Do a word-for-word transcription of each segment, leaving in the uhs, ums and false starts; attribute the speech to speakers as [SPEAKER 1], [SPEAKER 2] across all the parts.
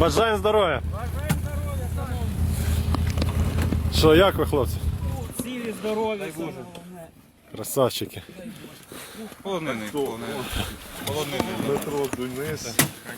[SPEAKER 1] Бажаємо здоров'я! Що, як ви, хлопці?
[SPEAKER 2] Цілі, здорові,
[SPEAKER 1] Красавчики.
[SPEAKER 3] Полонений, полонений. Полонений.
[SPEAKER 4] Метро Донець.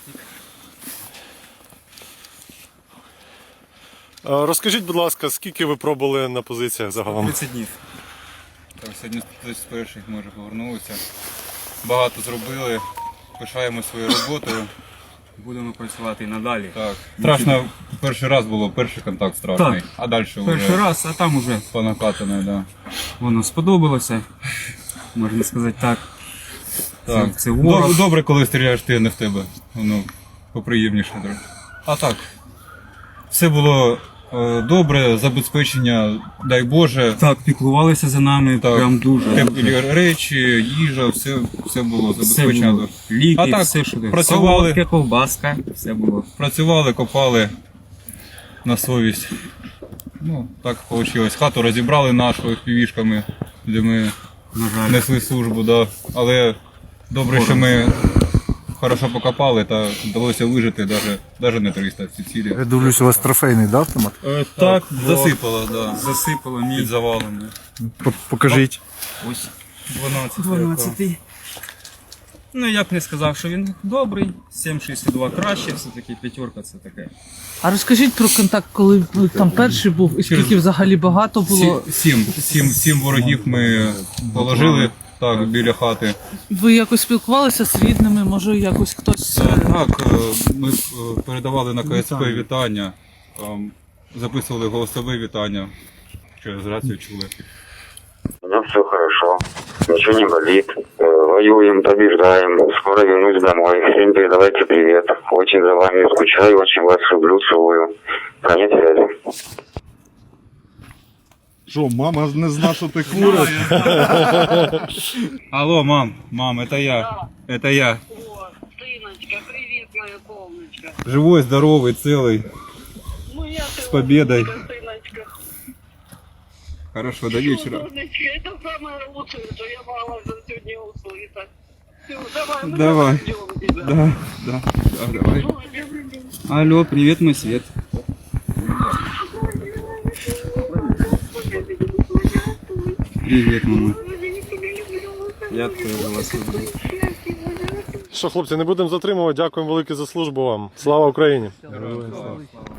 [SPEAKER 1] Розкажіть, будь ласка, скільки ви пробули на позиціях загалом?
[SPEAKER 3] тридцять днів. Так, сьогодні з перших ми вже повернулися. Багато зробили, пишаємо своєю роботою.
[SPEAKER 2] Будемо працювати і надалі.
[SPEAKER 3] Так. Страшно, перший раз було, перший контакт страшний.
[SPEAKER 2] Так.
[SPEAKER 3] А далі
[SPEAKER 2] Перший
[SPEAKER 3] вже
[SPEAKER 2] раз, а там уже
[SPEAKER 3] по накатаній, да.
[SPEAKER 2] воно сподобалося, можна сказати так.
[SPEAKER 3] Так.
[SPEAKER 2] Це, це ворог.
[SPEAKER 3] Добре, добре, коли стріляєш ти, а не в тебе. Воно поприємніше трохи. А так, все було е, добре, забезпечення, дай Боже.
[SPEAKER 2] Так, піклувалися за нами,
[SPEAKER 3] Так.
[SPEAKER 2] прям дуже.
[SPEAKER 3] Теплі речі, їжа, все, все було
[SPEAKER 2] Все
[SPEAKER 3] забезпечено.
[SPEAKER 2] було. Ліки,
[SPEAKER 3] А так,
[SPEAKER 2] все, що
[SPEAKER 3] працювали.
[SPEAKER 2] Солодке, ковбаска, все було.
[SPEAKER 3] Працювали, копали на совість. Ну, так вийшло. Хату розібрали нашу півішками, де ми
[SPEAKER 2] На жаль.
[SPEAKER 3] несли службу, да. Але добре, що ми хорошо покопали та вдалося вижити навіть, навіть не триста ці цілі.
[SPEAKER 4] Я дивлюсь, у вас трофейний, да, автомат?
[SPEAKER 3] Е, так, засипало, да.
[SPEAKER 2] Засипало
[SPEAKER 3] Під
[SPEAKER 2] мій
[SPEAKER 3] завалами.
[SPEAKER 4] Покажіть.
[SPEAKER 2] ось
[SPEAKER 3] дванадцять.
[SPEAKER 2] дванадцятий. Ну, я б не сказав, що він добрий, сім шістдесят два краще, все-таки п'ятерка це таке.
[SPEAKER 5] А розкажіть про контакт, коли ви там перший був, і скільки взагалі багато було.
[SPEAKER 3] Сі- Сім, сім, сім ворогів ми положили так, біля хати.
[SPEAKER 5] Ви якось спілкувалися з рідними, може якось хтось.
[SPEAKER 3] Е, Так, е, ми е, передавали на КСП вітання, ем, записували голосове вітання, через рацію чули.
[SPEAKER 6] У меня все хорошо, ничего не болит. Э, Воюем, побеждаем, скоро вернусь домой. Всем передавайте привет. Очень за вами скучаю, очень вас люблю, целую. Конец связи.
[SPEAKER 4] Що, мама не зна, що ти куриш?
[SPEAKER 3] Алло, мам, мам, это я, это я.
[SPEAKER 7] О, сыночка, привет, моя солнышко.
[SPEAKER 3] Живой, здоровый, целый,
[SPEAKER 7] Ну я
[SPEAKER 3] с победой.
[SPEAKER 7] сыночка.
[SPEAKER 3] Хорошо, до вечера.
[SPEAKER 7] Солнышко, это самое лучшее, что я могла за сегодня услышать. Все, давай, мы
[SPEAKER 3] Давай.
[SPEAKER 7] ждем тебя.
[SPEAKER 3] Да, да, да, давай.
[SPEAKER 7] Ой, я люблю.
[SPEAKER 2] Алло, привіт, мой світ. Привіт, мама. Я тебе вас люблю.
[SPEAKER 1] Що, хлопці, не будемо затримувати. Дякуємо велике за службу вам. Слава Україні!
[SPEAKER 3] Героям слава.